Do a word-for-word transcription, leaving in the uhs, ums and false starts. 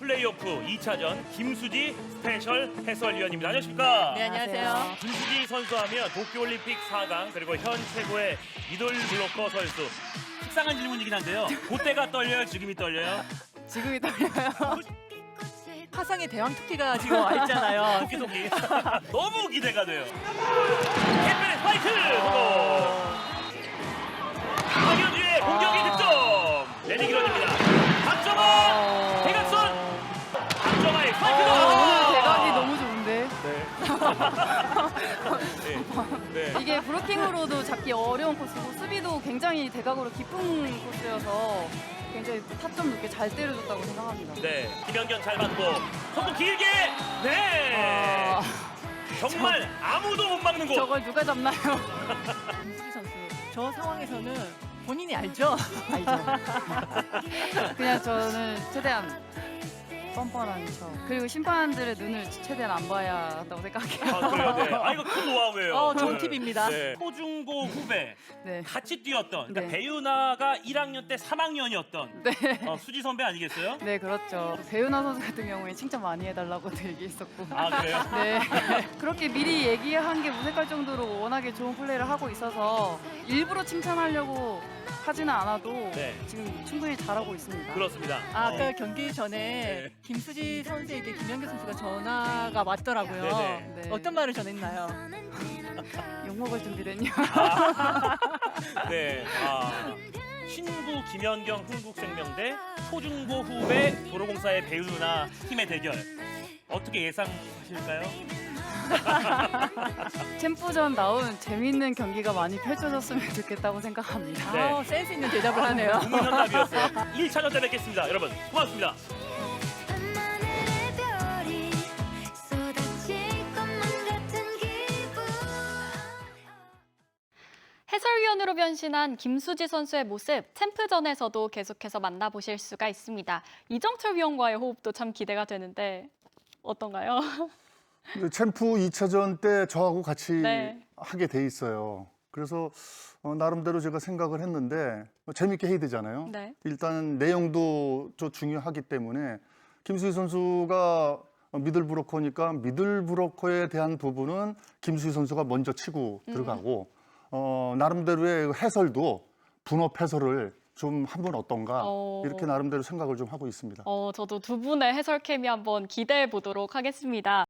플레이오프 이 차전 김수지 스페셜 해설위원입니다. 안녕하십니까? 네, 안녕하세요. 김수지 선수하면 도쿄올림픽 사 강 그리고 현 최고의 미들 블로커 선수. 식상한 질문이긴 한데요. 그때가 떨려요? 지금이 떨려요? 지금이 떨려요. 화성의 대왕 토끼가 지금 와 있잖아요. 토끼 토끼. 너무 기대가 돼요. 캡틴의 스파이크! 그리고 박현주의 공격이 득점! 레디 기런입니다. 박정아! 대각선! 박정아의 스파이크가! 오늘 대각이 너무 좋은데. 네. 네. 이게 브로킹으로도 잡기 어려운 코스고 수비도 굉장히 대각으로 깊은 코스여서 굉장히 타점 높게 잘 때려줬다고 생각합니다. 네. 김연경 잘 받고 속도 길게! 네! 아, 정말 아무도 못 막는 곳! 저걸 누가 잡나요? 김수지 선수, 저 상황에서는 본인이 알죠? 알죠. 그냥 저는 최대한 뻔뻔한 척. 그리고 심판들의 눈을 최대한 안 봐야 한다고 생각해요. 아, 그래요? 네. 아, 이거 큰 노하우예요. 어, 좋은 네. 팁입니다. 네. 초중고 후배 네. 같이 뛰었던 그러니까 네. 배윤아가 일 학년 때 삼 학년이었던 네. 어, 수지 선배 아니겠어요? 네, 그렇죠. 배윤아 선수 같은 경우에 칭찬 많이 해달라고도 얘기했었고. 아, 그래요? 네. 그렇게 미리 얘기한 게 무색할 정도로 워낙에 좋은 플레이를 하고 있어서 일부러 칭찬하려고 하지는 않아도 네. 지금 충분히 잘하고 있습니다. 그렇습니다. 아, 어, 아까 경기 전에 네. 김수지 선수에게 김연경 선수가 전화가 왔더라고요. 네네. 네. 어떤 말을 전했나요? 욕먹을 준비됐냐? 네. 아, 신구 김연경 흥국생명대 초중고 후배 도로공사의 배윤아 팀의 대결 어떻게 예상하실까요? 챔프전 나온 재밌는 경기가 많이 펼쳐졌으면 좋겠다고 생각합니다. 네. 아, 센스 있는 대답을 하네요. 국민현답이었어요. 일 차전 때 뵙겠습니다. 여러분 고맙습니다. 밤하늘의 별이 쏟아질 것만 같은 기분. 해설위원으로 변신한 김수지 선수의 모습 챔프전에서도 계속해서 만나보실 수가 있습니다. 이정철 위원과의 호흡도 참 기대가 되는데 어떤가요? 챔프 이 차전 때 저하고 같이 네. 하게 돼 있어요. 그래서 어, 나름대로 제가 생각을 했는데 어, 재밌게 해야 되잖아요. 네. 일단 내용도 좀 중요하기 때문에 김수희 선수가 미들 브로커니까 미들 브로커에 대한 부분은 김수희 선수가 먼저 치고 음. 들어가고 어, 나름대로의 해설도 분업 해설을 좀 하면 어떤가 어. 이렇게 나름대로 생각을 좀 하고 있습니다. 어, 저도 두 분의 해설 케미 한번 기대해 보도록 하겠습니다.